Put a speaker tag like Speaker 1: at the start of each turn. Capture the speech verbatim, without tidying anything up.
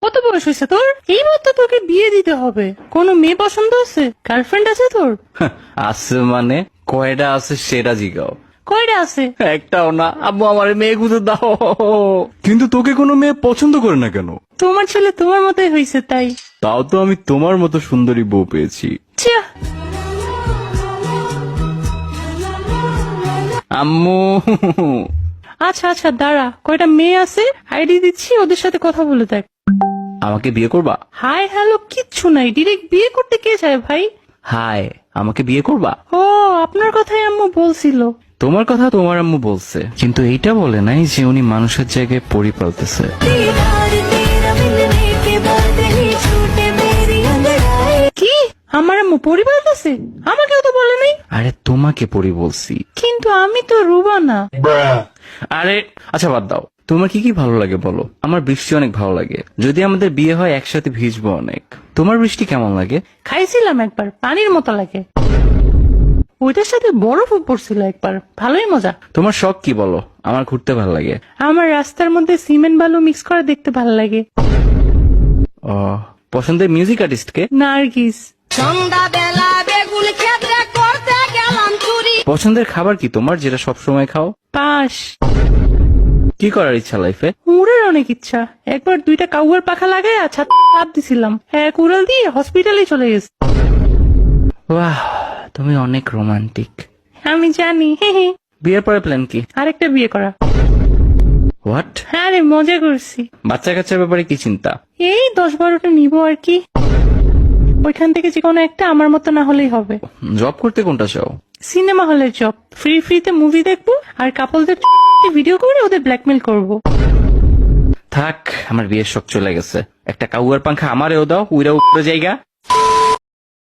Speaker 1: কত বয়স হয়েছে তোর? এইবার তো তোকে বিয়ে দিতে হবে। কোনো মেয়ে পছন্দ আছে? গার্লফ্রেন্ড আছে তোর?
Speaker 2: আছে মানে কয়টা আছে সেটা জিগাও।
Speaker 1: কয়টা আছে?
Speaker 2: একটাও না। আব্বু আমার মেয়ে খুঁজে দাও।
Speaker 3: কিন্তু তোকে কোনো মেয়ে পছন্দ করে না কেন?
Speaker 1: তোমার ছেলে তোমার মতোই হয়েছে তাই।
Speaker 3: তাও তো আমি তোমার মতো সুন্দরী বউ পেয়েছি।
Speaker 1: ছিয়া,
Speaker 2: আম্মু
Speaker 1: আচ্ছা আচ্ছা দাঁড়া, কয়টা মেয়ে আছে আইডি দিচ্ছি, ওদের সাথে কথা বলে দেখ।
Speaker 2: আমাকে বিয়ে করবা?
Speaker 1: হাই হ্যালো কিচ্ছু নাই, ডিরেক্ট বিয়ে করতে কে চায় ভাই?
Speaker 2: হাই, আমাকে বিয়ে করবা?
Speaker 1: ও আপনার কথাই আম্মু বলছিল।
Speaker 2: তোমার কথা তোমার আম্মু বলছে, কিন্তু এইটা বলে নাই যে উনি মানুষের জায়গায় পরি পালতেছে।
Speaker 1: কি আমার আম্মু পরিবার আছে? আমাকেও তো বলে নাই।
Speaker 2: আরে তোমাকে পরি বলছি।
Speaker 1: কিন্তু আমি তো রুবা না।
Speaker 2: আরে আচ্ছা বাদ দাও, তোমার কি কি ভালো লাগে বলো। আমার বৃষ্টি অনেক ভালো লাগে, যদি আমাদের বিয়ে হয় একসাথে ভিজবো অনেক। তোমার বৃষ্টি কেমন লাগে?
Speaker 1: খাইছিলাম একবার, পানির মতো লাগে। ওইটার সাথে বরফও পড়ছিল একবার, ভালোই মজা।
Speaker 2: তোমার শখ কি বলো। আমার ঘুরতে ভালো লাগে।
Speaker 1: আমার রাস্তার মধ্যে সিমেন্ট বালু মিক্স করে দেখতে ভালো লাগে।
Speaker 2: ও, পছন্দের মিউজিক আর্টিস্ট কে?
Speaker 1: নার্গিস।
Speaker 4: সন্ধ্যাবেলা বেগুন ক্ষেত্রে করতে গেলাম চুরি।
Speaker 2: পছন্দের খাবার কি তোমার, যেটা সবসময় খাও?
Speaker 1: পাশ।
Speaker 2: কি করার ইচ্ছা লাইফে?
Speaker 1: উড়ের অনেক ইচ্ছা। একবার দুইটা কাউয়ার পাখা লাগাই আর ছাদ লাফ দিছিলাম, এক উড়াল দিয়ে হসপিটালে চলে গেছে।
Speaker 2: বাহ, তুমি অনেক রোমান্টিক।
Speaker 1: আমি জানি। হে হে।
Speaker 2: বিয়ের পরে প্ল্যান কি?
Speaker 1: আরেকটা বিয়ে করা।
Speaker 2: হোয়াট?
Speaker 1: হ্যাঁ রে, মজা করছি।
Speaker 2: বাচ্চা কাচ্চার ব্যাপারে কি চিন্তা?
Speaker 1: এই দশ বারোটা নিবো আর কি। ওইখান থেকে যে কোনো একটা আমার মতো না হলেই হবে।
Speaker 2: জব করতে কোনটা চাও?
Speaker 1: সিনেমা হলের জব, ফ্রি ফ্রিতে মুভি দেখবো আর কাপলদের ভিডিও করে ওদের ব্ল্যাকমেল করব।
Speaker 2: থাক, আমার বিয়ের শখ চলে গেছে। একটা কাউয়ার পাংখা আমারেও দাও, উইরা উপরে জায়গা।